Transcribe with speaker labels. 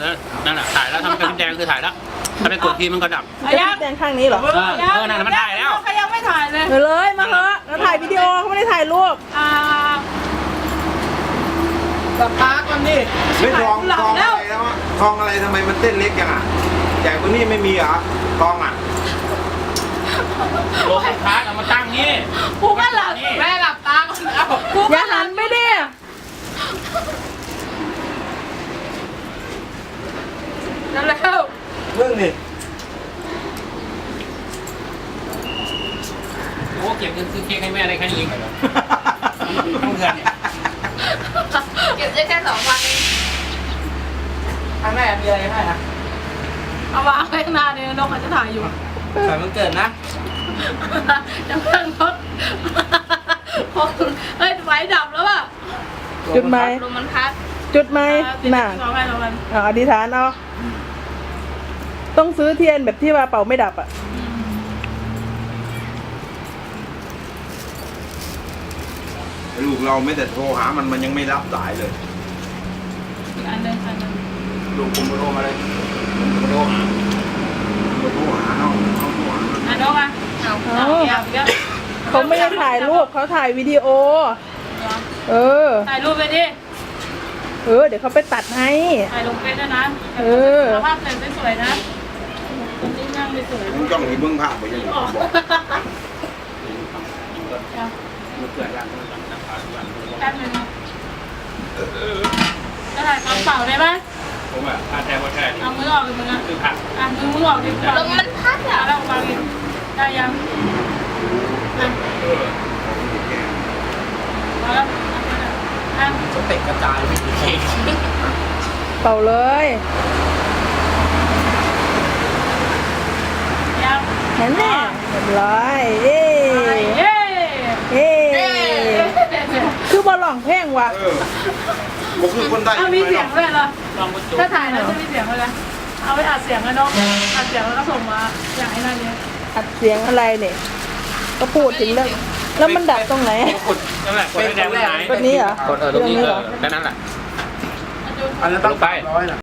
Speaker 1: นั่นแหละถ่ายแล้วทำกระพริบแดงคือถ่ายแล้วถ้าไปกดทีมันก็ดับ
Speaker 2: กระพริบแดงข้างนี้เหรอ
Speaker 1: นั่นมันถ่ายแล้ว
Speaker 2: เขายังไม่ถ่ายเลยเลยมาเถอะเราถ่ายวิดีโอเขาไม่ได้ถ่ายรูป
Speaker 3: สตาร์ทก่อนดิไม่ทองอะไรแล้วอะทองอะไรทำไมมันเต้นเล็กอย่างอ่ะใหญ่กว่านี้ไม่มีเหรอทองอ่ะ
Speaker 1: โลกค้าเอามาตั้งนี่
Speaker 2: กูก็หลับ
Speaker 4: แม่หลับตาก่อนเอา
Speaker 2: อย่าหันไปดิ
Speaker 4: นั่นแล้ว
Speaker 3: เรื่องนี่
Speaker 1: โอ้เก็บเงินซื้อเค้กให้แม่อะไรแค่นี้เองเหรอต้องเงินเนี่ย
Speaker 4: เก็บได้แค่2 วันเอง
Speaker 5: ข้างหน้ามีอะไรให้นะ
Speaker 4: เอาวางไว้ข้างหน้าเนี่ยนกอาจจะถ่ายอยู่
Speaker 5: แต่มันเกิดนะ
Speaker 4: จะเพิ่งนกเฮ้ยไฟดับแล้วอ่ะ
Speaker 2: จุดไหม
Speaker 4: ลมมันพัด
Speaker 2: จุดไหมน่ะ
Speaker 4: เอาไว้แล้วมัน
Speaker 2: อธิษฐานเอาต้องซื้อเทียนแบบที่ว่าเป่าไม่ดับอ่ะ
Speaker 3: ลูกเราไม่แต่โทรหามันยังไม่รับสายเลย
Speaker 4: อีกอันหนึง
Speaker 3: ลูกผมโทรมาเลยโทรหาเอาโทรหา
Speaker 4: อันนกอ่ะเอาเดี๋ยว
Speaker 2: เขาไม่ได้ถ่ายรูปเขาถ่ายวิดีโอ เออ
Speaker 4: ถ่ายรูปไปดิ
Speaker 2: เดี๋ยวเขาไปตัดให้
Speaker 4: ถ่ายลงเฟซด้วยนะภาพเต็มสวยๆนะตรงนี้นั่งสวย
Speaker 3: มึงจ้องให้เบิ่งภาพไปยังไงบอก
Speaker 1: มันเกิดการต้องการนะครับ
Speaker 4: แป๊บนึงจะถ่ายกระเป๋าได้ไหม
Speaker 1: ผมว่าถ้าแท้ว่าแท้นี่
Speaker 4: เอามือออกเลยมึงอ่ะ
Speaker 1: คือผัก
Speaker 4: มือออกดิลมมันพัดอ่ะแล้ววางได้ยังมาแล้ว
Speaker 5: สเต็กกระจายไปถึงเค้ก
Speaker 2: เป่าเลย
Speaker 4: ยัง
Speaker 2: นั่นแหละเรียบร้อยเย้
Speaker 4: เย้
Speaker 2: เย้คือบอลหล่องเพลงว่ะ
Speaker 3: บอกคือคนได้
Speaker 4: เอามีเสียงด้วยเหรอ
Speaker 1: ลองมาจุ
Speaker 4: ถ้าถ่ายแล้วจะมีเสียงด้วยนะเอาไปอัดเสียงกันเนาะอัดเสียงแล้วก็ส่งมาอย่างไอ้นั่นเนี่ย
Speaker 2: อัดเสียงอะไรเนี่ยก็พูดถึงเรื่องแล้วมันดับตรงไหน
Speaker 1: กดนั่นแหละกดให้แดงมันหาย
Speaker 2: กดนี้เหรอ
Speaker 1: กดตรงนี้แค่นั้นแหละ
Speaker 3: อันนั้นตั้งไป100นะ